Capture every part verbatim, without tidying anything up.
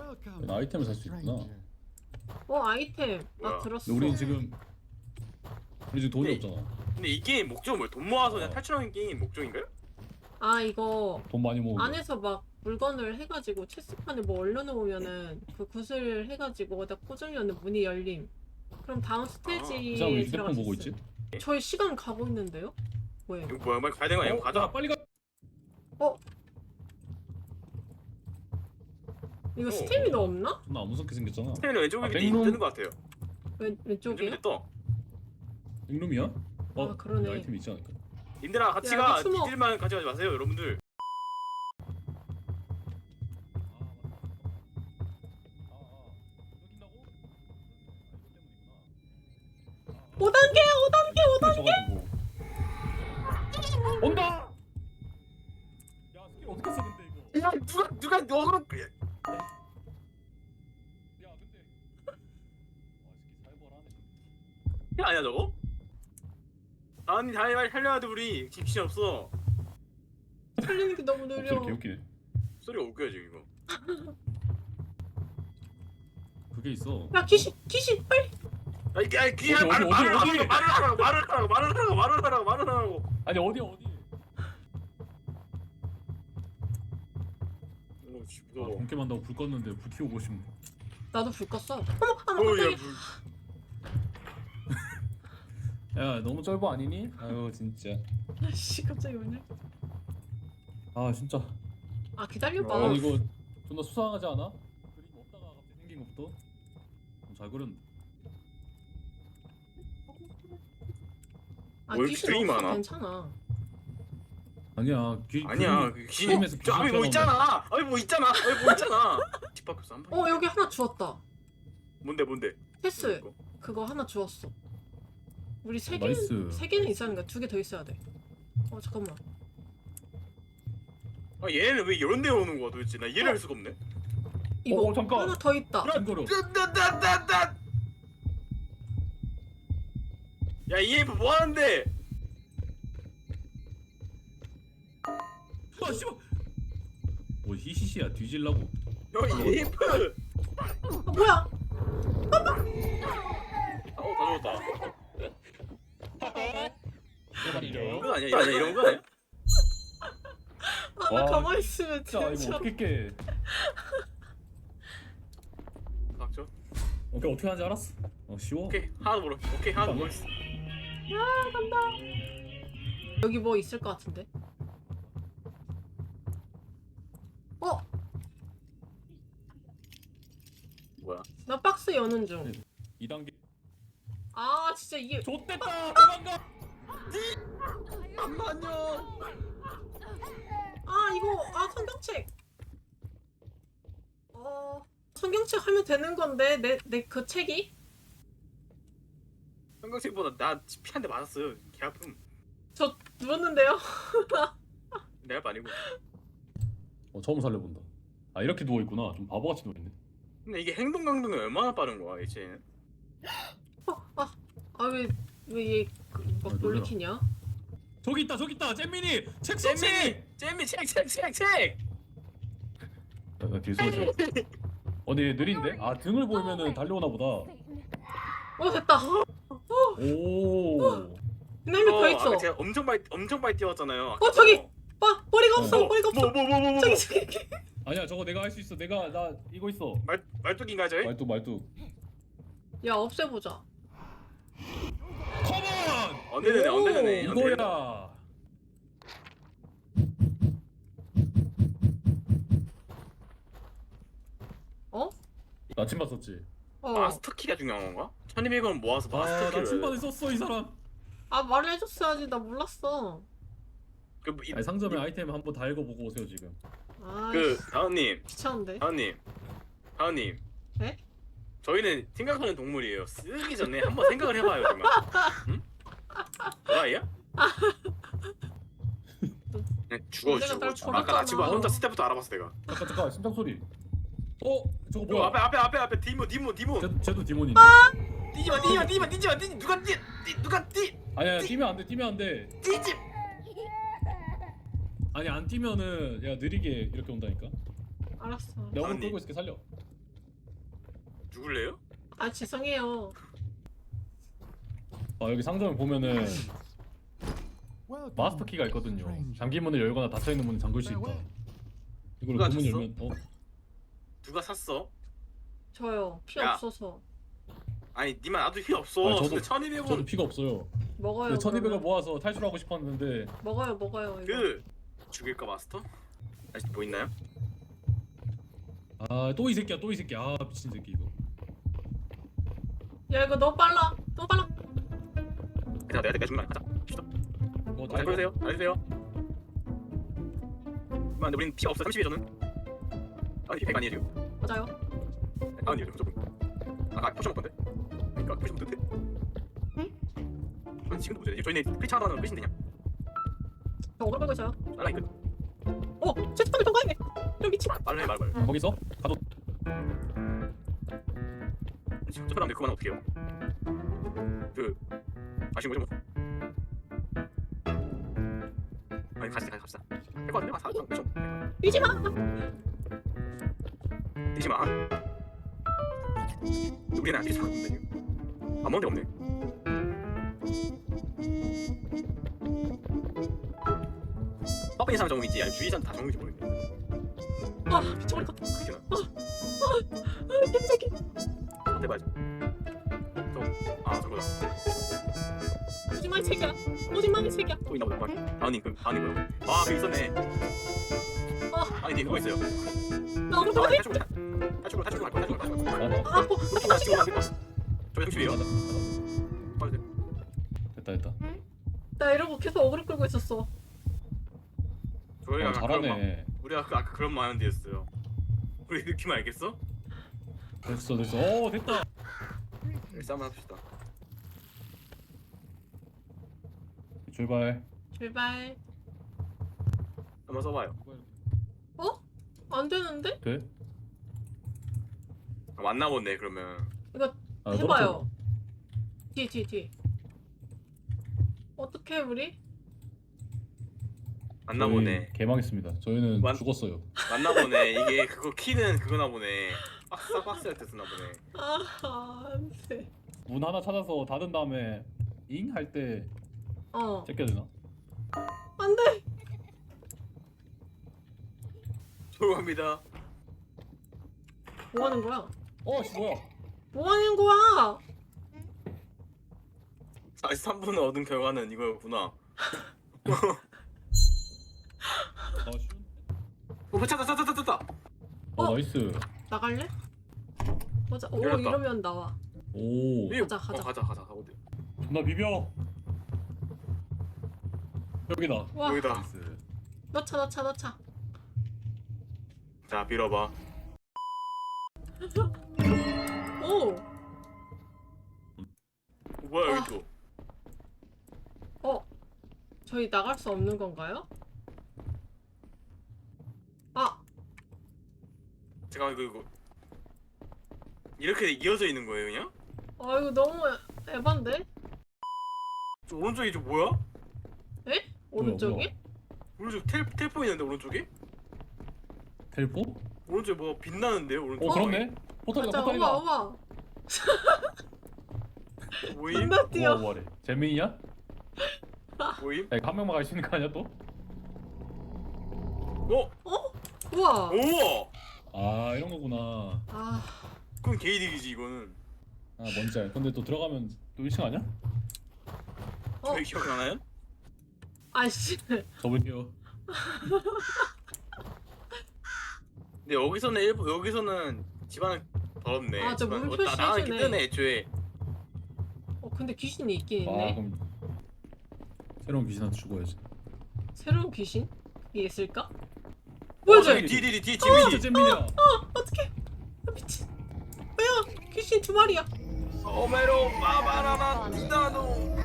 아이템을 살 수 있구나. 어 아이템 나 뭐야? 들었어. 근데 우리 지금 우리 지금 돈이 네. 없잖아. 근데 이 게임 목적은 뭐야? 돈 모아서 그냥 어. 탈출하는 게임 목적인가요? 아 이거 돈 많이 모으고. 안에서 막 물건을 해가지고 체스판에 뭐 올려놓으면은 그 구슬 해가지고 어디다 꽂으면은 문이 열림. 그럼 다음 그 사람 왜 스테이지에 휴대폰 들어갈 수 보고 있어. 있지? 저희 시간 가고 있는데요? 뭐예요? 이거 뭐야? 빨리 가야 되는 거 아니야? 어, 가자. 야, 빨리 가. 이거 어. 스태미너 없나? 존나 무섭게 생겼잖아. 스테미너 왼쪽에 아, 밑에 백룸? 뜨는 거 같아요. 왼, 왼쪽이요? 왼쪽에 떠. 백룸이야? 어, 아, 그러네. 아이템 있지 않을까? 님들아 같이 야, 가. 여기 숨어. 니들만 가져가지 마세요, 여러분들. 오 단계 오 단계 오 단계 단계. 온다. 야 스킬 어떻게 써 근데 이거? 야 누가 누가 너그로 야 근데. 와 스킬 살벌하네. 아니야 저거? 아니 다이발 살려야 돼 우리. 집신 없어. 살리는 게 너무 느려. 목소리 개웃기네. 소리가 웃겨요 지금 이거. 그게 있어. 야 귀신 귀신 빨리. 야 이게 야 귀야 어디, 말을 어디, 말을 어디, 하라고 말을 하라고 말을 하라고 말을 하라고 말을 하라고 말을 하라고. 아니 어디 어디? 오 씨, 아, 무서워. 본게임 한다고 불 껐는데 불 켜고 싶네. 나도 불 껐어. 어머 아 어야 깜짝이야. 야 너무 쩔보 아니니? 아유 진짜. 아씨 갑자기 왜냐? 아 진짜. 아 기다려봐. 아 이거 존나 수상하지 않아? 그림 없다가 갑자기 생긴 것부터. 어, 잘 그렸네. 아 뭘 귀신 되게 없어 많아? 괜찮아. 아니야. 귀, 아니야 그림이- 그 귀신. 게임에서 저 앞에 뭐 귀신 있잖아. 아니 뭐 있잖아. 아니 뭐 있잖아. 집 밖에서 한 번. 어 여기 하나 주웠다. 뭔데 뭔데? 패스 이거? 그거 하나 주웠어. 우리 세 어, 개는 나이스. 세 개는 있어야 하는 거야. 두 개 더 있어야 돼. 어 잠깐만. 아 얘는 왜 이런 데 오는 거야 도대체? 나 이해를 할 수가 없네. 이거 어, 잠깐. 하나 더 있다. 징그러. 딴딴딴딴. 야 이에프 뭐 하는데? 아 씨발. 뭐 히시시야 뒤질라고. 형 이에프. 아 뭐야? 어다 죽었다. 이런 거 아니야? 아니야 이런 거 아니야? 아 나 와, 가만히 있으면 진짜 이거 진짜. 어떻게 깨? 맞죠? 오케이 어떻게 하는지 알았어. 어 쉬워. 오케이 하나 모르. 오케이 하나 모르. 야 간다. 여기 뭐 있을 것 같은데? 어? 뭐야? 나 박스 여는 중. 이 단계. 아 진짜 이게 좆됐다. 도망가. 잠깐만요. 아 이거 아 성경책. 어 성경책 하면 되는 건데 내 내 그 책이? 형광색보다 나 피 한 대 맞았어요. 개 아픔. 저 누웠는데요. 내 할 아니고. 어 처음 살려본다. 아 이렇게 누워 있구나. 좀 바보같이 누워 있네. 근데 이게 행동 강도는 얼마나 빠른 거야 이제는? 아왜왜얘막 아, 놀래라. 놀리키냐? 저기 있다 저기 있다 잼민이 책 서치. 잼미 잼미 책책 책 책. 나 뒤에 숨어 있어. 어디 느린데? 아 등을 보이면은 달려오나 보다. 어 됐다. 오. 놈이 더 있어. 아까 제가 엄청 많이 엄청 많이 뛰었잖아요. 어, 저기! 봐 머리가 없어 어, 머리가 없어. 뭐뭐 뭐 뭐 뭐. 저기 저기. 아니야 저거 내가 할 수 있어. 내가 나 이거 있어. 말 말뚝인가 저희? 말뚝 말뚝. 야 없애보자. 컴온. 언제되네 오, 언제되네. 이거야. 어? 나침반 썼지. 어. 마스터 키가 중요한 건가? 천이백 원 모아서 마스터 아 키를. 나침반을 썼어 이 사람. 아 말을 해줬어야지 나 몰랐어. 그, 뭐 이- 아니, 상점에 아이템 한번 다 읽어보고 오세요 지금. 아 그 다은님, 귀찮은데. 다은님, 다은님. 네? 저희는 생각하는 동물이에요. 쓰기 전에 한번 생각을 해봐요, 정말. 응? 뭐라이야? 그냥 죽어 내가 죽어 날 죽어. 아까 나 버렸잖아. 지금 혼자 스태프도 알아봤어 내가. 잠깐 잠깐 심장 소리. 어 저거 뭐 뭐야? 앞에 앞에 앞에 앞에 디몬 디몬 디몬. 쟤도, 쟤도 디몬인데. 뛰지마 뛰지마 뛰지마 뛰지마 뛰지 누가 뛰 뛰- 누가 뛰 아니야 뛰면 안 돼. 뛰면 안 돼. 뛰지. 아니 안 뛰면은 야 느리게 이렇게 온다니까. 알았어. 내가 오늘 아니. 끌고 있을게 살려. 죽을래요? 아 죄송해요. 아 여기 상점을 보면은 마스터 키가 있거든요. 잠긴 문을 열거나 닫혀 있는 문을 잠글 수 있다. 이걸 누가 그 문 줬어? 열면 어? 누가 샀어? 저요. 피 야. 없어서. 아니 니만 나도 필요 없어. 아니, 저도- 근데 천이백 원 저도 피가 없어요. 먹어요. 근데 천이백을 그러면. 모아서 탈출하고 싶었는데 먹어요 먹어요 이거. 그 죽일까 마스터? 아직 뭐 있나요? 아 또 이 새끼야 또 이 새끼 아 미친 새끼 이거. 야 이거 너무 빨라. 너무 빨라. 내가 내가 내가 준거 가자. 갑시다. 어, 잘 보세요. 잘 보세요. 아 근데 우린 피가 없어. 삼십이에 저는. 아니 백 아니에요 지금. 맞아요. 백 아니에요 무조건. 아까 포션 먹던데. 그러니까 포션 먹던데. 응? 지금도 못해. 저희는 크리차 하나는 끝인데 그냥. 저 오글 끌고 있어요. 빨라 이거. 어 채팅방을 통과했네. 좀 미친. 빨래 말 말. 거기서 가도 지금 저번에 그만 어떻게 해요? 그 아쉬운 거죠 뭐. 아니 같이 같이 갑시다. 할거 같은데 아 사람 그죠? 뛰지 마. 뛰지 마. 우리는 안 뛰지 마. 안 먹는 데 없네. 빠빠이 사람 정우 있지. 아니 주위 사람 다 정우인지 모르겠네. 아 미쳐버릴 것 같아. 그렇게 아 개새끼. 해봐야죠. 저아 저거다. 오지 마 이 새끼야. 오지 마 이 새끼야. 또 있나 보다. 아니 그 아니 뭐야? 아그 있었네. 아 아니 니 그거 있어요. 나 오글 아, 끌고 있. 탈출로 탈출로 탈출로 갈 거야. 탈출로 갈 거야. 가다 아 뭐. 그렇게 다시 찍으면 안 될 거야. 저 삼십이에요. 가다 빨리 돼. 됐다 됐다. 나 이러고 계속 어그로 끌고 있었어. 저희가 어, 아까 그런 마- 잘하네. 우리가 그 아까 그런 마인드였어요. 우리 느낌 알겠어? 됐어 됐어. 어 됐다. 일사 한번 합시다. 출발. 출발. 한번 써봐요. 어? 안 되는데? 돼? 아, 맞나 보네 그러면. 이거 아, 해봐요. 뒤, 뒤, 뒤. 어떻게 우리? 맞나 저희 보네. 개망했습니다. 저희는 완- 죽었어요. 맞나 보네. 이게 그거 키는 그거나 보네. 박스 박스 할 때 쓰나 보네. 아, 안 돼. 문 하나 찾아서 닫은 다음에 잉 할 때 어, 제껴야 되나? 안 돼. 죄송합니다. 뭐 하는 거야? 어, 씨 뭐야? 뭐 하는 거야? 사십삼 분을 얻은 결과는 이거였구나. 아, 쉬운. 오 찾다 찾다 찾다 찾다. 어, 어? 나이스. 나갈래? 보자. 오, 열렸다. 이러면 나와. 오, 이거- 가자, 가자. 어, 가자 가자 어디? 존나 비벼. 여기다. 와, 여기다. 나이스. 넣자, 넣자, 넣자. 자 빌어봐. 오, 어, 뭐야 아. 여기 또. 어. 저희 나갈 수 없는 건가요? 아, 잠깐만 이거 이거 이렇게 이어져 있는 거예요 그냥? 아 이거 너무 에반데? 저 오른쪽이 저 뭐야? 에? 오른쪽이? 뭐야? 오른쪽 텔 텔포 있는데 오른쪽에? 텔포? 오른쪽에 뭐 빛나는데요 오른쪽? 어, 그렇네. 포털이다, 맞아, 포털이다. 어마, 어마. 모임? 존나 뛰어. 우와, 우와래. 재민이야? 모임? 야, 이거 한 명만 갈 수 있는 거 아니야 또? 어? 우와. 오! 아, 이런 거구나. 아, 그건 개이득이지 이거는. 아, 뭔지 알. 근데 또 들어가면 또 일 층 아니야? 어, 저희 기억나나요? 아씨. 접을게요. 근데 여기서는 일부 여기서는 집안은 더럽네. 아, 저 집안- 물표 어, 나- 나가기 시즈네. 뜨네 애초에. 어, 근데 귀신이 있긴 아, 있네. 그럼 새로운 귀신한테 죽어야지. 새로운 귀신? 이게 있을까? 어, 보여줘. 저기 뒤 뒤 뒤 진짜 지민이. 재민이야. 어떡해. 아, 미친. 뭐야? 귀신 두 마리야. 오메로 빠바라라 디다노.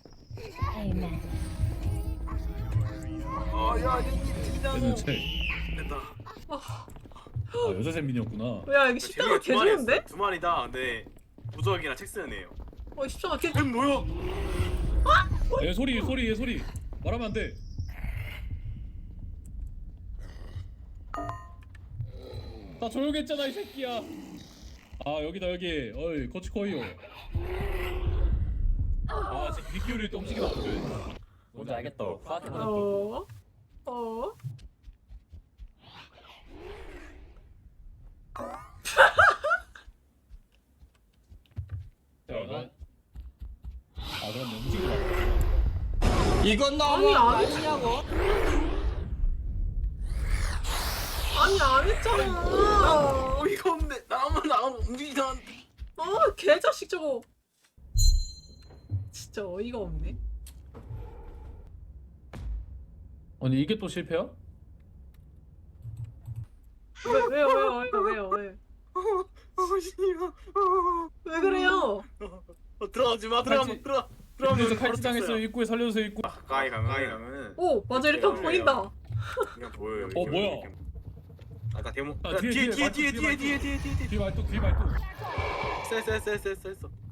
아야 디다노. 얘는 책. 됐다. 아, 아, 여자 재민이었구나. 야, 이게 십자가 개 마리 좋은데? 두 마리다. 근데 무적이랑 책 쓰는 애요. 어, 십자가 개. 쟤 뭐야? 얘 소리, 소리, 얘 소리. 말하면 안 돼. 나 조용했잖아 이 새끼야. 아 여기다 여기. 어이 코치코이요. 아 지금 귀 기울일 때 움직이면 안 돼. 뭔지 알겠다. 파악해 보자. 어? 어? 자, 나- 아 그럼 움직이지 마. 이건 아니, 너무 안 아니냐고. 아니 안 했잖아. 어이가 없네. 나 아무 나 움직이지 않. 아 개자식 저거. 진짜 어이가 없네. 아니 이게 또 실패야? 왜 왜요 왜요 왜요 왜요 왜? 어 씨발. 어, 왜 그래요? 어, 들어가지 마. 들어가 칼치- 들어. 그래서 들어가면 칼치당했어요. 입구에 살려주세요 입구. 가까이 가면 가까이 가면은 오 맞아 이렇게 하면 보인다. 그냥 보여요. 어, 뭐야? 아까 데모. 아, 야, 뒤에, 뒤에 뒤에, 뒤에 뒤에 뒤에 뒤에 뒤에 뒤에 뒤에. 뒤 말뚝 뒤 말뚝. 쎄쎄쎄쎄쎄.